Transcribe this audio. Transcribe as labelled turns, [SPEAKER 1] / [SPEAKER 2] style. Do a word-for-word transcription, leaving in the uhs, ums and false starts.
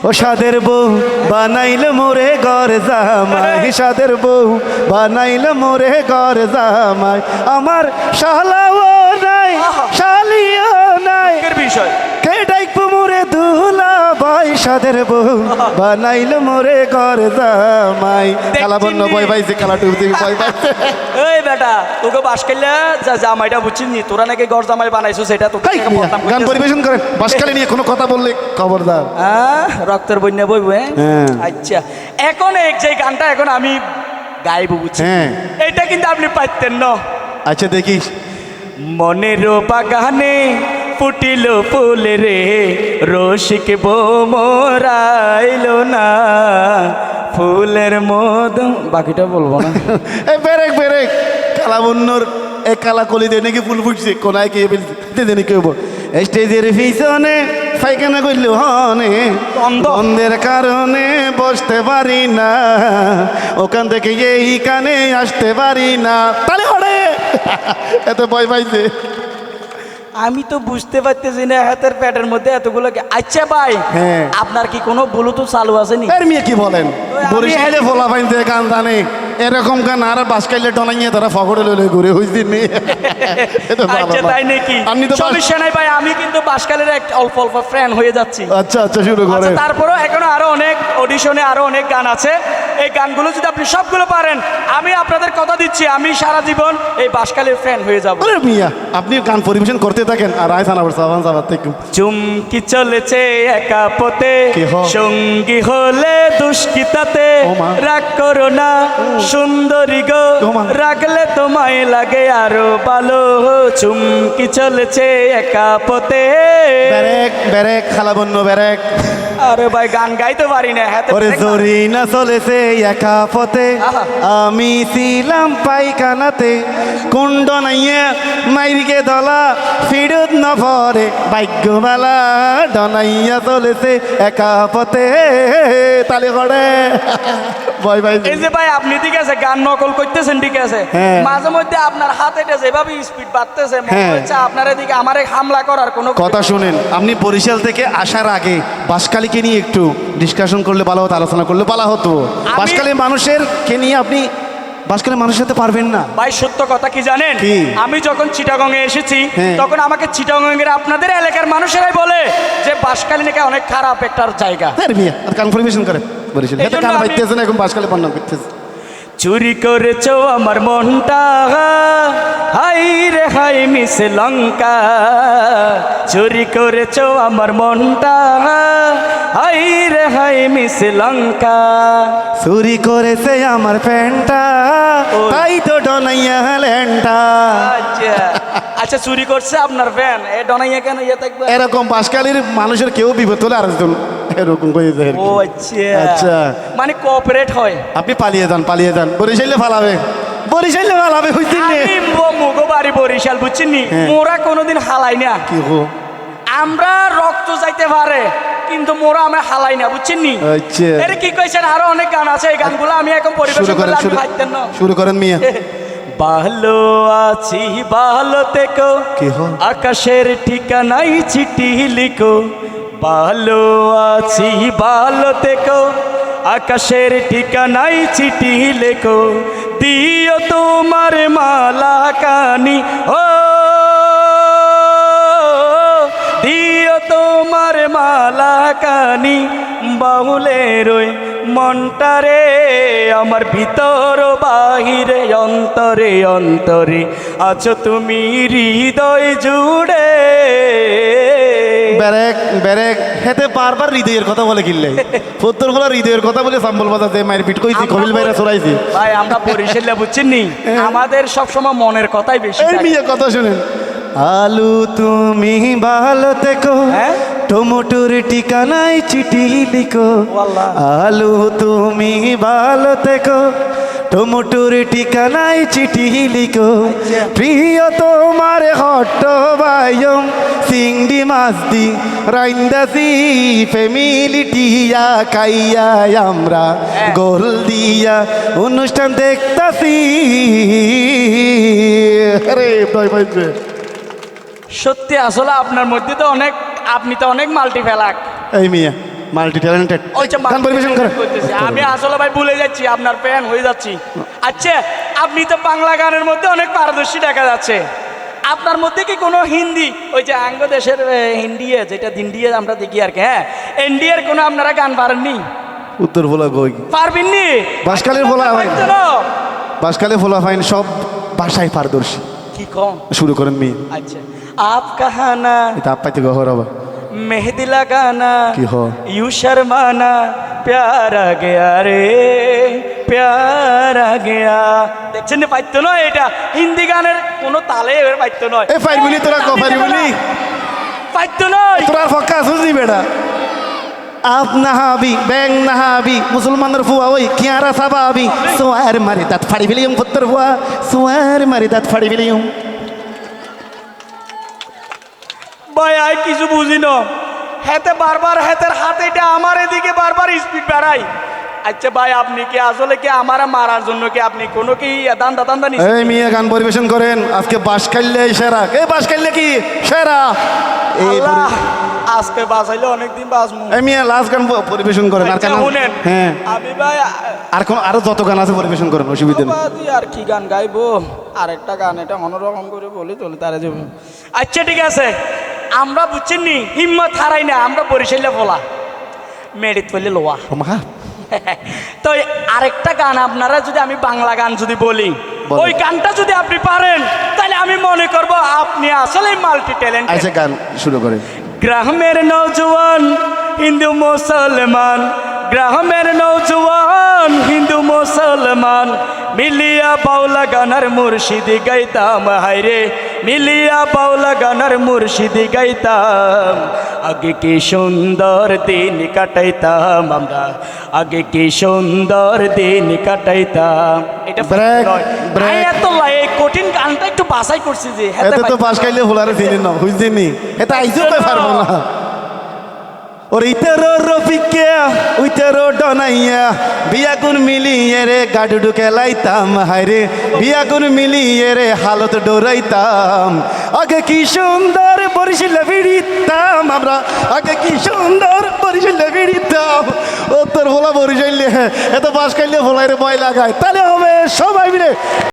[SPEAKER 1] ও সাদের বউ বানাইল মোরে ঘর জামাই, সাদের বউ বানাইল মোরে ঘর জামাই। আমার শালাও নাই শালিও নাই,
[SPEAKER 2] বিষয়
[SPEAKER 1] কে ডাইকবো মোরে দুলা ভাই, সাদের বউ বানাইল মোরে ঘর জামাই। খেলা বন্য বই পাইছে, খেলা টুপ থেকে বই পাইছে।
[SPEAKER 2] এই বেটা তোকে বাস খেললে যা জামাইটা বুঝছিস তোরা নাকি ঘর জামাই বানাইছো সেটা তো
[SPEAKER 1] গান পরিবেশন করেন, বাসকালে নিয়ে কোনো কথা বললে খবরদার।
[SPEAKER 2] হ্যাঁ রক্তের বন্যা বইব।
[SPEAKER 1] হ্যাঁ
[SPEAKER 2] আচ্ছা এখন এক যে গানটা এখন আমি গাইব বুঝছি,
[SPEAKER 1] হ্যাঁ
[SPEAKER 2] এটা কিন্তু আপনি পাইতেন না।
[SPEAKER 1] আচ্ছা দেখিস।
[SPEAKER 2] মনের বাগানে ফুটিল ফুল রে, রসিক বোমরাইল না ফুলের মদ। বাকিটা বলবো না।
[SPEAKER 1] এই বেরেক বেরেক কালা বন্যর এক কালা কলি দিয়ে নাকি ফুল ফুটছে, কোনায় কে ফেলছে নাকি হবো স্টেজের পিছনে পায়খানা করল হনে, বন্ধের কারণে বসতে পারি না, ওখান থেকে এই কানে আসতে পারি না। তাহলে হরে এত ভয় পাইছে।
[SPEAKER 2] আমি তো বুঝতে পারতেছি না হাতের প্যাটের মধ্যে এতগুলো কি- আচ্ছা ভাই
[SPEAKER 1] হ্যাঁ।
[SPEAKER 2] আপনার কি কোনো ব্লুটুথ চালু আছে নি?
[SPEAKER 1] এর মেয়ে কি বলেন,
[SPEAKER 2] আমি-
[SPEAKER 1] বরিশালে ফোলা পাইতে গান জানে এরকম গান আর বাসকাইলে টনাইয়ে তারা ফকড়ে লইলে ঘুরে হইছি নি।
[SPEAKER 2] আচ্ছা তাই নাকি?
[SPEAKER 1] আপনি তো বাস-
[SPEAKER 2] সমস্যা নাই ভাই, আমি কিন্তু বাসকালের এক অল্প অল্প ফ্যান হয়ে যাচ্ছি।
[SPEAKER 1] আচ্ছা আচ্ছা শুরু
[SPEAKER 2] আচ্ছা
[SPEAKER 1] করেন।
[SPEAKER 2] তারপরেও এখনো আরো অনেক অডিশনে আরো অনেক গান আছে, এই গানগুলো যদি আপনি সবগুলো পারেন আমি আপনাদের কথা দিচ্ছি আমি সারা জীবন এই বাসকালের ফ্যান হয়ে যাব।
[SPEAKER 1] আরে মিয়া আপনি গান পরিবেশন করতে থাকেন আর আয় সানাবার সাবান সাবান থেকে।
[SPEAKER 2] চুমকি চলেছে একা পথে,
[SPEAKER 1] কি হ?
[SPEAKER 2] সঙ্গী হলে দুষ্কৃতাতে,
[SPEAKER 1] ও মা।
[SPEAKER 2] রাগ করো না সুন্দরী গো,
[SPEAKER 1] ও মা।
[SPEAKER 2] রাগলে তোমায় লাগে আরো ভালো, চুমকি চলেছে একা পথে।
[SPEAKER 1] ব্যারেক ব্যারেক খালা বন্য ব্যারেক।
[SPEAKER 2] আরে ভাই গান গাইতে পারি না হাতে
[SPEAKER 1] ওরে
[SPEAKER 2] ব্রেক না।
[SPEAKER 1] জরি না চলেছে একা পথে,
[SPEAKER 2] আহা।
[SPEAKER 1] আমি ছিলাম পাইখানাতে, কুণ্ড নাইয়া মাইরিকে দলা ফিরত না পরে, ভাগ্যবেলা ডনাইয়া চলেছে একা পথে। তালে করে ভয় পাই।
[SPEAKER 2] এই যে ভাই আপনি ঠিক আছে গান নকল করতেছেন ঠিক আছে,
[SPEAKER 1] হ্যাঁ।
[SPEAKER 2] মাঝে মধ্যে আপনার হাত এটা যেভাবে স্পিড বাড়তেছে মনে
[SPEAKER 1] হ্যাঁ।
[SPEAKER 2] হচ্ছে আপনার এদিকে আমার হামলা করার কোনো
[SPEAKER 1] কথা শুনেন, আপনি বরিশাল থেকে আসার আগে বাসকালীকে নিয়ে একটু ডিসকাশন করলে ভালো হতো, আলোচনা করলে ভালো হতো। বাসকালী মানুষের কে নিয়ে আপনি বাসকালী মানুষের সাথে পারবেন না।
[SPEAKER 2] ভাই সত্য কথা কি জানেন,
[SPEAKER 1] কি?
[SPEAKER 2] আমি যখন চিটাগং এ এসেছি
[SPEAKER 1] হ্যাঁ।
[SPEAKER 2] তখন আমাকে চিটাগং এর আপনাদের এলাকার মানুষেরাই বলে যে বাঁশখালী নাকি অনেক খারাপ একটা জায়গা।
[SPEAKER 1] আরে মিয়া আর কনফার্মেশন করে বরিশাল
[SPEAKER 2] এই
[SPEAKER 1] এত
[SPEAKER 2] জন্য
[SPEAKER 1] গান
[SPEAKER 2] আমি-
[SPEAKER 1] পাইতেছে না, এখন বাসকালী বর্ণনা করতেছে।
[SPEAKER 2] চুরি করেছো আমার মনটা, হাই রে হাই মিস লঙ্কা, চুরি করেছো আমার মনটা, হাই রে হাই মিস লঙ্কা।
[SPEAKER 1] চুরি করেছে আমার প্যান্টটা, তাই তো ডনাইয়া ল্যান্ডটা।
[SPEAKER 2] আচ্ছা আচ্ছা চুরি করছে আপনার ফ্যান এ ডনাইয়া কেন ইয়ে থাকবে?
[SPEAKER 1] এরকম বাসকালীর মানুষের কেউ বিপদ হলে আরেকজন এরকম করে দেয়।
[SPEAKER 2] ও আচ্ছা
[SPEAKER 1] আচ্ছা।
[SPEAKER 2] মানে কোঅপারেট হয়।
[SPEAKER 1] আপনি পালিয়ে যান পালিয়ে যান, বরিশালে ফালাবে বরিশালে ফালাবে হইতেন নে।
[SPEAKER 2] আমি মুগো বাড়ি বরিশাল বুঝছেন নি,
[SPEAKER 1] হ্যাঁ।
[SPEAKER 2] মোরা কোনোদিন হালাই না।
[SPEAKER 1] কি হো?
[SPEAKER 2] আমরা রক্ত যাইতে পারে কিন্তু মোরা আমরা হালাই না বুঝছেন নি।
[SPEAKER 1] আচ্ছা।
[SPEAKER 2] এর কি কইছেন আরো অনেক গান আছে, এই গানগুলো আমি এখন
[SPEAKER 1] শুরু
[SPEAKER 2] পরিবেশন
[SPEAKER 1] করেন
[SPEAKER 2] করলে আপনি
[SPEAKER 1] শুরু
[SPEAKER 2] পাইতেন না।
[SPEAKER 1] শুরু করেন মিয়া।
[SPEAKER 2] ভালো আছি ভালো থেকো,
[SPEAKER 1] কি হো?
[SPEAKER 2] আকাশের ঠিকানাই চিঠি লিখো, ভালো আছি ভালো থেকো, আকাশের ঠিকানাই চিঠি লেখো, দিও তোমার মালা কানি ও, দিও তোমার মালা কানি, বাউলের ওই মনটারে আমার ভিতর বাহিরে অন্তরে অন্তরে আছো তুমি হৃদয় জুড়ে।
[SPEAKER 1] ব্যারেক ব্যারেক হেতে বারবার হৃদয়ের কথা বলে কিনলে সত্তর গুলো হৃদয়ের কথা বলে সাম্বল বাজাতে মায়ের পিট কইছি, কবিল ভাইরা চড়াইছি।
[SPEAKER 2] ভাই আমরা বরিশালে বুঝছেন নি আমাদের সবসময় মনের কথাই বেশি
[SPEAKER 1] এই
[SPEAKER 2] থাকে।
[SPEAKER 1] মিয়া কথা শুনেন। আলু তুমি ভালো থেকো,
[SPEAKER 2] হ্যাঁ?
[SPEAKER 1] টমেটোর ঠিকানায় চিঠি লিখো,
[SPEAKER 2] ওয়াল্লাহ।
[SPEAKER 1] আলু তুমি ভালো থেকো, টমেটোর ঠিকানায় চিঠি লিখো, প্রিয় তোমার হট্ট বায়ম চিংড়ি মাছ দি রাইন্দাসি ফ্যামিলি টিয়া খাইয়া আমরা গোল দিয়া অনুষ্ঠান দেখতাছি। আরে ভয় পাইছে।
[SPEAKER 2] সত্যি আসলে আপনার মধ্যে তো অনেক, আপনি তো অনেক মাল্টি ফেলাক।
[SPEAKER 1] এই মিয়া মাল্টি ট্যালেন্টেড
[SPEAKER 2] ওই যে
[SPEAKER 1] গান পরিবেশন করে
[SPEAKER 2] করতেছি। আমি আসলে ভাই ভুলে যাচ্ছি, আপনার ফ্যান হয়ে যাচ্ছি। আচ্ছা, আপনি তো বাংলা গানের মধ্যে অনেক পারদর্শী দেখা যাচ্ছে, আপনার মধ্যে কি কোনো হিন্দি, ওই যে আঙ্গ দেশের এ, হিন্দিয়ে যেটা হিন্দিয়ে আমরা দেখি আর কি, হ্যাঁ, ইন্ডিয়ার কোনো আপনারা গান পারেননি?
[SPEAKER 1] উত্তর ভোলা কই
[SPEAKER 2] পারবেননি?
[SPEAKER 1] বাঁশখালীর ভোলা ভাই।
[SPEAKER 2] পারতো না?
[SPEAKER 1] বাসকালে ফোলা ফাইন সব ভাষায় পারদর্শী।
[SPEAKER 2] কি কম?
[SPEAKER 1] শুরু করেন মেয়ে
[SPEAKER 2] আচ্ছা, আপ কাহানা
[SPEAKER 1] এটা আপাইতে গহর হবে
[SPEAKER 2] মেহেদি লাগানা
[SPEAKER 1] কি হ
[SPEAKER 2] ইউ শর্মানা প্যারা গেয়া রে প্যারা গেয়া। দেখছেন না, পাইতো নয় এটা হিন্দি গানের কোনো তালে এবার পাইতো নয়।
[SPEAKER 1] এ ফাইরমিলি তোরা ক ফাইরমিলি
[SPEAKER 2] পাইতো নয়।
[SPEAKER 1] তোরা ফক্কা সুজি বেটা আপ নাহাবি ব্যাং নাহাবি মুসলমানের ফুয়া ওই কিয়ারা সাবাবি সোয়ার মারি দাঁত ফাড়ি ফেলিম পুত্তর ফুয়া সোয়ার মারি দাঁত ফাড়ি ফেলিম।
[SPEAKER 2] ভাই আই কিছু বুঝি না, হেতে বারবার হেতের হাতে এটা আমার এদিকে বারবার স্পিড বাড়াই। আচ্ছা ভাই, আপনি কি আসলে কি আমার মারার জন্য কি আপনি কোনো কি দান্দা দান্দা নিছেন?
[SPEAKER 1] এই মিয়া গান পরিবেশন করেন আজকে বাঁশখালী সেরা। এই বাঁশখালী কি সেরা? এই
[SPEAKER 2] আল্লাহ, আজকে বাঁচাইলে অনেকদিন বাঁচমু।
[SPEAKER 1] এই মিয়া লাস্ট গান প- পরিবেশন করেন আর
[SPEAKER 2] আচ্ছা,
[SPEAKER 1] কেন
[SPEAKER 2] শুনেন,
[SPEAKER 1] হ্যাঁ
[SPEAKER 2] আমি ভাই
[SPEAKER 1] আর কোন আরো যত গান আছে পরিবেশন করেন, অসুবিধা নেই।
[SPEAKER 2] বাদি আর কি গান গাইবো, আরেকটা গান এটা অন্যরকম করে বলি চলে তারা যাব। আচ্ছা ঠিক আছে, আমরা বুঝছেন নি হিম্মত হারাই না, আমরা বরিশালে বলা মেরিত বললে লোয়া।
[SPEAKER 1] ও মা
[SPEAKER 2] তো এই আরেকটা গান আপনারা যদি আমি বাংলা গান যদি বলি,
[SPEAKER 1] বলেন।
[SPEAKER 2] ওই গানটা যদি আপনি পারেন তাহলে আমি মনে করব আপনি আসলে মাল্টি ট্যালেন্ট।
[SPEAKER 1] আচ্ছা গান শুরু করেন।
[SPEAKER 2] গ্রামের নৌজওয়ান হিন্দু মুসলমান, গ্রামের নৌজওয়ান হিন্দু মুসলমান, মিলিয়া বাউলা গানার মুর্শিদি গাইতাম হাইরে, মিলিয়া বাউলা গানার মুর্শিদি গাইতাম। আগে কি সুন্দর দিন কাটাইতাম আমরা, আগে কি সুন্দর দিন কাটাইতাম। এটা
[SPEAKER 1] Break,
[SPEAKER 2] নয়।
[SPEAKER 1] break.
[SPEAKER 2] আমি এত লাই- এই কঠিন গানটা একটু বাছাই করছি যে হেতে
[SPEAKER 1] এতে তো
[SPEAKER 2] পাইতাম না।
[SPEAKER 1] বাঁশখালী ফুলারে চিনি না বুঝদিনি এটা আইজো কই পারবো না। ওর ইতেরো রফিকে উইতেরো ডনাইয়া বিয়া কোন মিলিয়ে রে গাডুডু খেলাইতাম হায়রে, বিয়া কোন মিলিয়ে রে হালত ডোরাইতাম। আগে কি সুন্দর বরিশালে বিড়িতাম আমরা, আগে কি সুন্দর বরিশালে বিড়িতাম। ও তোর ভোলা বরিশালে এত বাঁশখালী ভোলায় রে ভয় লাগায়, তাহলে হবে সবাই মিলে